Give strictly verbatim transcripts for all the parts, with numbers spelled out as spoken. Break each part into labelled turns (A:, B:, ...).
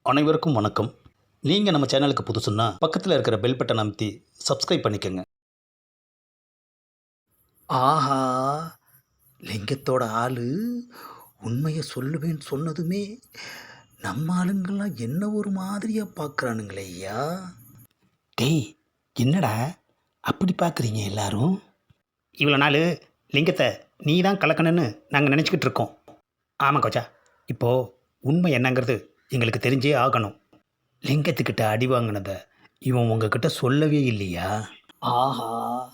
A: அனைவருக்கும் வணக்கம். நீங்கள் நம்ம சேனலுக்கு புதுசுன்னா பக்கத்தில் இருக்கிற பெல் பட்டன் அமைத்தி சப்ஸ்கிரைப் பண்ணிக்கோங்க.
B: ஆஹா, லிங்கத்தோட ஆளு உண்மையை சொல்லுவேன்னு சொன்னதுமே நம்ம ஆளுங்கெல்லாம் என்ன ஒரு மாதிரியா பார்க்குறானுங்களே ஐயா.
A: டேய், என்னடா அப்படி பார்க்குறீங்க எல்லாரும்? இவ்வளோ நாள் லிங்கத்தை நீ தான் கலக்கணுன்னு நாங்கள் நினச்சிக்கிட்டு இருக்கோம். ஆமாம் கோச்சா, இப்போது உண்மை என்னங்கிறது எங்களுக்கு தெரிஞ்சே ஆகணும். லிங்கத்துக்கிட்ட அடி வாங்கினதை இவன் உங்ககிட்ட சொல்லவே இல்லையா?
B: ஆஹா,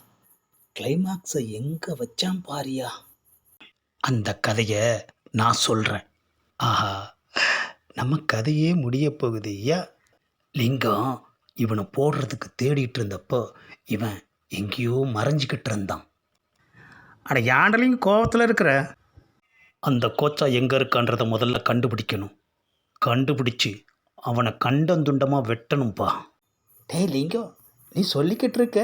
B: கிளைமாக்ஸை எங்கே வச்சான் பாரியா.
A: அந்த கதையை நான் சொல்கிறேன். ஆஹா, நம்ம கதையே முடிய போகுது ஐயா. லிங்கம் இவனை போடுறதுக்கு தேடிட்டு இருந்தப்போ இவன் எங்கேயோ மறைஞ்சிக்கிட்டு இருந்தான். அட யாண்டலிங்க கோவத்தில் இருக்கிற அந்த கோச்சா எங்கே இருக்கான்றதை முதல்ல கண்டுபிடிக்கணும். கண்டுபிடிச்சி அவனை கண்டந்துண்டமாக வெட்டணும்ப்பா.
B: டேய் லிங்கம், நீ சொல்லிக்கிட்டு இருக்க.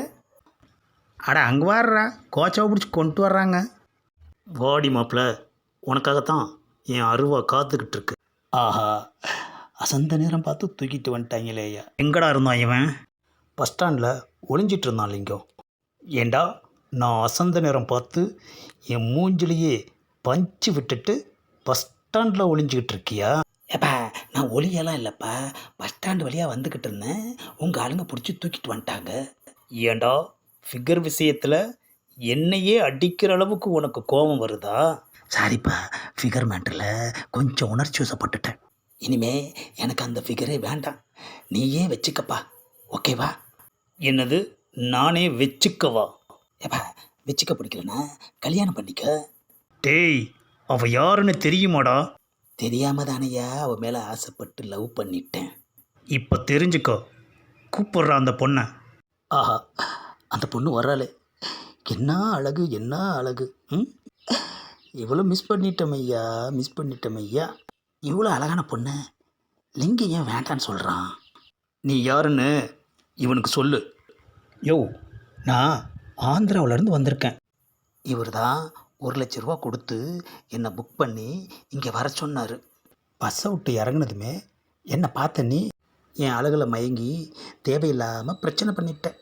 A: அட அங்கே வர்றா, கோச்சாவை பிடிச்சி கொண்டு வர்றாங்க. வாடி மாப்பிள்ள, உனக்காகத்தான் என் அருவா காத்துக்கிட்டு இருக்கு. ஆஹா, அசந்த நேரம் பார்த்து தூக்கிட்டு வந்துட்டாங்களே ஐயா. எங்கடா இருந்தான் இவன்? பஸ் ஸ்டாண்டில் ஒளிஞ்சிட்டு இருந்தான் லிங்கம். ஏண்டா, நான் அசந்த நேரம் பார்த்து என் மூஞ்சிலேயே பஞ்சு விட்டுட்டு பஸ் ஸ்டாண்டில் ஒளிஞ்சிக்கிட்டு இருக்கியா?
B: ஏப்பா, நான் ஒளியெல்லாம் இல்லைப்பா, பஸ் ஸ்டாண்டு வழியாக வந்துக்கிட்டு இருந்தேன். உங்கள் ஆளுங்க பிடிச்சி தூக்கிட்டு வந்துட்டாங்க.
A: ஏண்டா, ஃபிகர் விஷயத்தில் என்னையே அடிக்கிற அளவுக்கு உனக்கு கோபம் வருதா?
B: சாரிப்பா, ஃபிகர் மேட்டரில் கொஞ்சம் உணர்ச்சி வசப்பட்டுட்டேன். இனிமே எனக்கு அந்த ஃபிகரே வேண்டாம், நீயே வச்சுக்கப்பா, ஓகேவா?
A: என்னது, நானே வச்சுக்கவா?
B: ஏப்பா, வச்சுக்க பிடிக்கலனா கல்யாணம் பண்ணிக்க.
A: டேய், அவ யாருன்னு தெரியுமாடா?
B: தெரியாம தானையா அவன் மேலே ஆசைப்பட்டு லவ் பண்ணிட்டேன்.
A: இப்போ தெரிஞ்சுக்கோ. கூப்பிட்றா அந்த பொண்ணை.
B: ஆஹா, அந்த பொண்ணு வர்றாளே, என்ன அழகு என்ன அழகு. ம், இவ்வளோ மிஸ் பண்ணிட்டோம் ஐயா, மிஸ் பண்ணிட்டோம் ஐயா. இவ்வளோ அழகான பொண்ணு லிங்கம் ஏன் வேண்டான்னு சொல்கிறான்?
A: நீ யாருன்னு இவனுக்கு சொல்லு. யோ, நான் ஆந்திராவிலேருந்து வந்திருக்கேன்.
B: இவர் தான் ஒரு லட்ச ரூபா கொடுத்து என்னை புக் பண்ணி இங்கே வர சொன்னார்.
A: பஸ்ஸை விட்டு இறங்குனதுமே என்னை பார்த்த நீ
B: என் அழகில் மயங்கி தேவையில்லாமல் பிரச்சனை பண்ணிட்டேன்.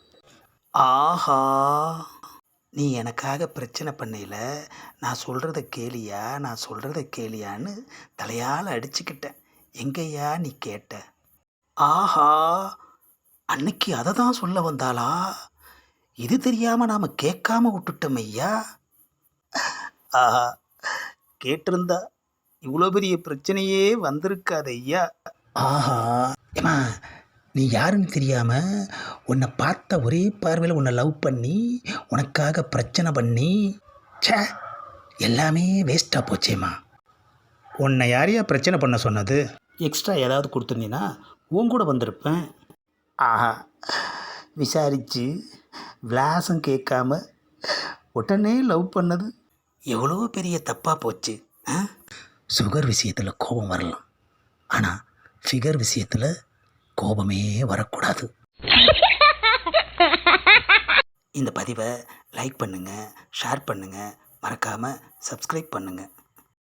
B: ஆஹா, நீ எனக்காக பிரச்சனை பண்ணையில் நான் சொல்கிறத கேளியா நான் சொல்கிறத கேளியான்னு தலையால் அடிச்சுக்கிட்டேன். எங்கய்யா நீ கேட்ட? ஆஹா, அன்னைக்கு அதை தான் சொல்ல வந்தாளா? இது தெரியாமல் நாம் கேட்காம விட்டுட்டோம் ஐயா. ஆஹா, கேட்டிருந்தா இவ்வளோ பெரிய பிரச்சனையே வந்திருக்காது ஐயா. ஆஹா, ஏமா, நீ யாருன்னு தெரியாமல் உன்னை பார்த்த ஒரே பார்வையில் உன்னை லவ் பண்ணி உனக்காக பிரச்சனை பண்ணி சே, எல்லாமே வேஸ்ட்டாக போச்சேம்மா.
A: உன்னை யாரையா பிரச்சனை பண்ண சொன்னது? எக்ஸ்ட்ரா ஏதாவது கொடுத்துருந்தீங்கன்னா உன் கூட வந்திருப்பேன்.
B: ஆஹா, விசாரித்து விலாசம் கேட்காம உடனே லவ் பண்ணது எவ்வளோ பெரிய தப்பாக போச்சு. ஆ, சுகர் விஷயத்தில் கோபம் வரலாம், ஆனால் ஃபிகர் விஷயத்தில் கோபமே வரக்கூடாது. இந்த பதிவை லைக் பண்ணுங்கள், ஷேர் பண்ணுங்கள், மறக்காமல் சப்ஸ்கிரைப் பண்ணுங்கள்.